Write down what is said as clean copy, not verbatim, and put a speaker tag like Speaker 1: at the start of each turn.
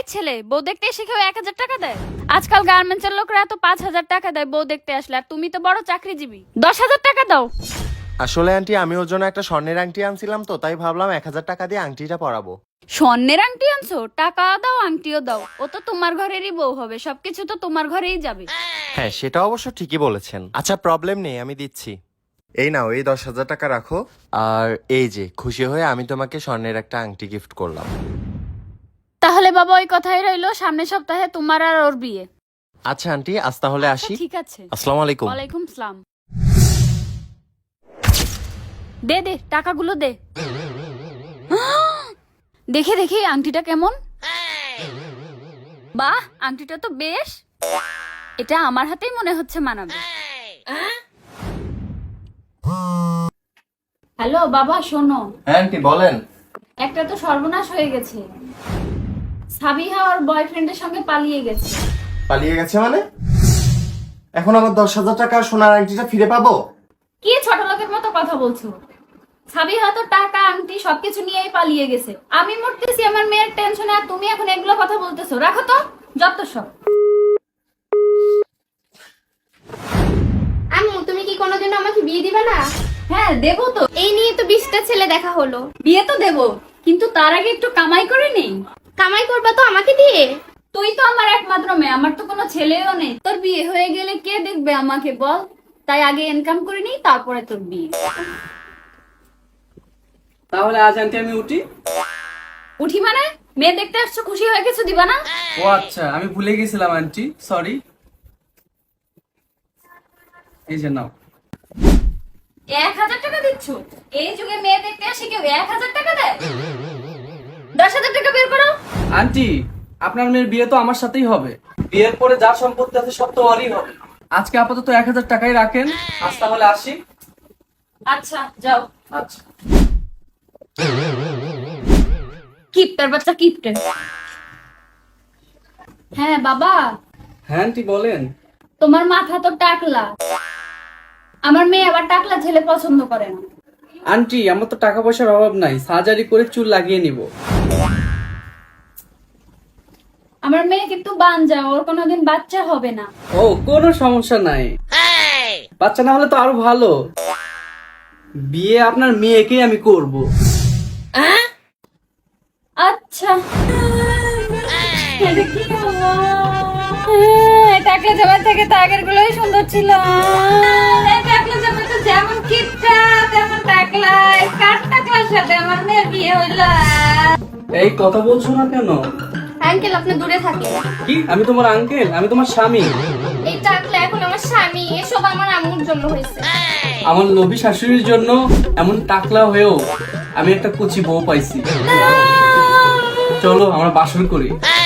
Speaker 1: ছেলে বউ দেখতে এসে কেউ 1,000 টাকা দেয়? আজকাল গার্মেন্টসের লোকরা এত 5,000 টাকা দেয় বউ দেখতে আসলে, আর তুমি তো বড় চাকরিজীবী, 10,000 টাকা দাও।
Speaker 2: আসলে আন্টি আমি ওর জন্য একটা স্বর্ণের আংটি আনছিলাম, তো তাই ভাবলাম 1,000 টাকা দিয়ে আংটিটা পরাবো।
Speaker 1: স্বর্ণের আংটি আনছো? টাকা দাও আংটিও দাও, ও তো তোমার ঘরেরই বউ হবে, সবকিছু তো তোমার ঘরেই যাবে।
Speaker 2: হ্যাঁ সেটা অবশ্য ঠিকই বলেছেন। আচ্ছা প্রবলেম নেই, আমি দিচ্ছি। এই নাও, এই 10,000 টাকা রাখো। আর এই যে খুশি হয়ে আমি তোমাকে স্বর্ণের একটা আংটি গিফট করলাম।
Speaker 1: তাহলে বাবা ওই কথাই রইলো, সামনের সপ্তাহে তোমার আর ওর বিয়ে।
Speaker 2: আচ্ছা আন্টি আজ তাহলে আসি।
Speaker 1: ঠিক আছে।
Speaker 2: আসসালামু আলাইকুম।
Speaker 1: ওয়ালাইকুম সালাম। দে দে টাকাগুলো দে। দেখে দেখি আংটিটা কেমন। বাহ, আংটিটা তো বেশ, এটা আমার হাতেই মনে হচ্ছে মানাবে। হ্যালো বাবা, শোনো।
Speaker 2: হ্যাঁ আন্টি বলেন।
Speaker 1: একটা তো সর্বনাশ হয়ে গেছে, সাবিহা ওর বয়ফ্রেন্ডের সঙ্গে পালিয়ে গেছে।
Speaker 2: পালিয়ে গেছে মানে? এখন আমার 10,000 টাকা সোনার আংটিটা ফিরে পাবো?
Speaker 1: কি ছোট লোকের মতো কথা বলছো? সাবিহা তো টাকা আংটি সবকিছু নিয়েই পালিয়ে গেছে। আমি মরতেছি আমার মেয়ের টেনশনে, আর তুমি এখন এগুলো কথা বলতেছো? রাখো তো যত সব।
Speaker 3: আম্মু, তুমি কি কোনোদিন আমাকে বিয়ে দিবে না?
Speaker 1: হ্যাঁ দেবো তো,
Speaker 3: এই নিয়ে তো 20টা ছেলে দেখা হলো।
Speaker 1: বিয়ে তো দেবো, কিন্তু তার আগে একটু কামাই করে নেই।
Speaker 3: কামাই করবা তো আমাকে দিয়ে?
Speaker 1: তুই তো আমার একমাত্র মেয়ে, আমার তো কোনো ছেলেও নেই। তোর বিয়ে হয়ে গেলে কে দেখবে আমাকে বল? তাই আগে ইনকাম করে নিই, তারপরে তোর বিয়ে।
Speaker 4: তাহলে আজ আন্টি আমি উঠি।
Speaker 1: উঠি মানে? মেয়ে দেখতে আসছো, খুশি হয়ে কিছু দিবা না?
Speaker 4: ও আচ্ছা, আমি ভুলে গেছিলাম আন্টি, সরি। এই যে নাও।
Speaker 1: 1,000 টাকা দিচ্ছ? এই যুগে মেয়ে দেখতে আসে কেউ 1,000 টাকা দেয়? 10,000 টাকা বের করো।
Speaker 4: আন্টি, আপনার মেয়ের বিয়ে তো আমার সাথেই হবে। বিয়ের পরে যা সম্পত্তি আছে সব তো ওরই হবে। আজকে আপাতত 1,000 টাকাই রাখেন। আজ তাহলে আসি।
Speaker 1: আচ্ছা যাও।
Speaker 4: আচ্ছা।
Speaker 1: কিপটার বাচ্চা, কিপটে। হ্যাঁ বাবা,
Speaker 4: হ্যাঁ আন্টি বলেন।
Speaker 1: তোমার মাথা তো টাকলা, আমার মেয়ে আবার টাকলা ছেলে পছন্দ করে না।
Speaker 4: আন্টি, আমার তো টাকা পয়সার অভাব নাই, সার্জারি করে চুল লাগিয়ে নিব।
Speaker 1: আমার মেয়ে কিন্তু বানজা, ওর কোনোদিন বাচ্চা হবে না।
Speaker 4: ও কোনো সমস্যা নাই, বাচ্চা না হলে তো আরো ভালো। বিয়ে আপনার মেয়েকেই আমি করব।
Speaker 1: আচ্ছা এটা কি হলো? টাকলা জামার থেকে তো আগের গুলোই সুন্দর ছিল। টাকলা জামা তো যেমন কিপটা তেমন টাকলা, কার টাকলার সাথে আমার মেয়ের বিয়ে হইল?
Speaker 4: এই কথা বলছো না কেন?
Speaker 3: আঙ্কেল, আপনি দূরে থাকেন।
Speaker 4: কি আমি তোমার আঙ্কেল? আমি তোমার স্বামী।
Speaker 3: এই টাকলা এখন আমার স্বামী, এসব আমার আম্মুর জন্য হয়েছে।
Speaker 4: আমার লোভী শাশুড়ির জন্য এমন টাকলা হয়েও আমি একটা কুচি বউ পাইছি। চলো আমরা বাসর করি।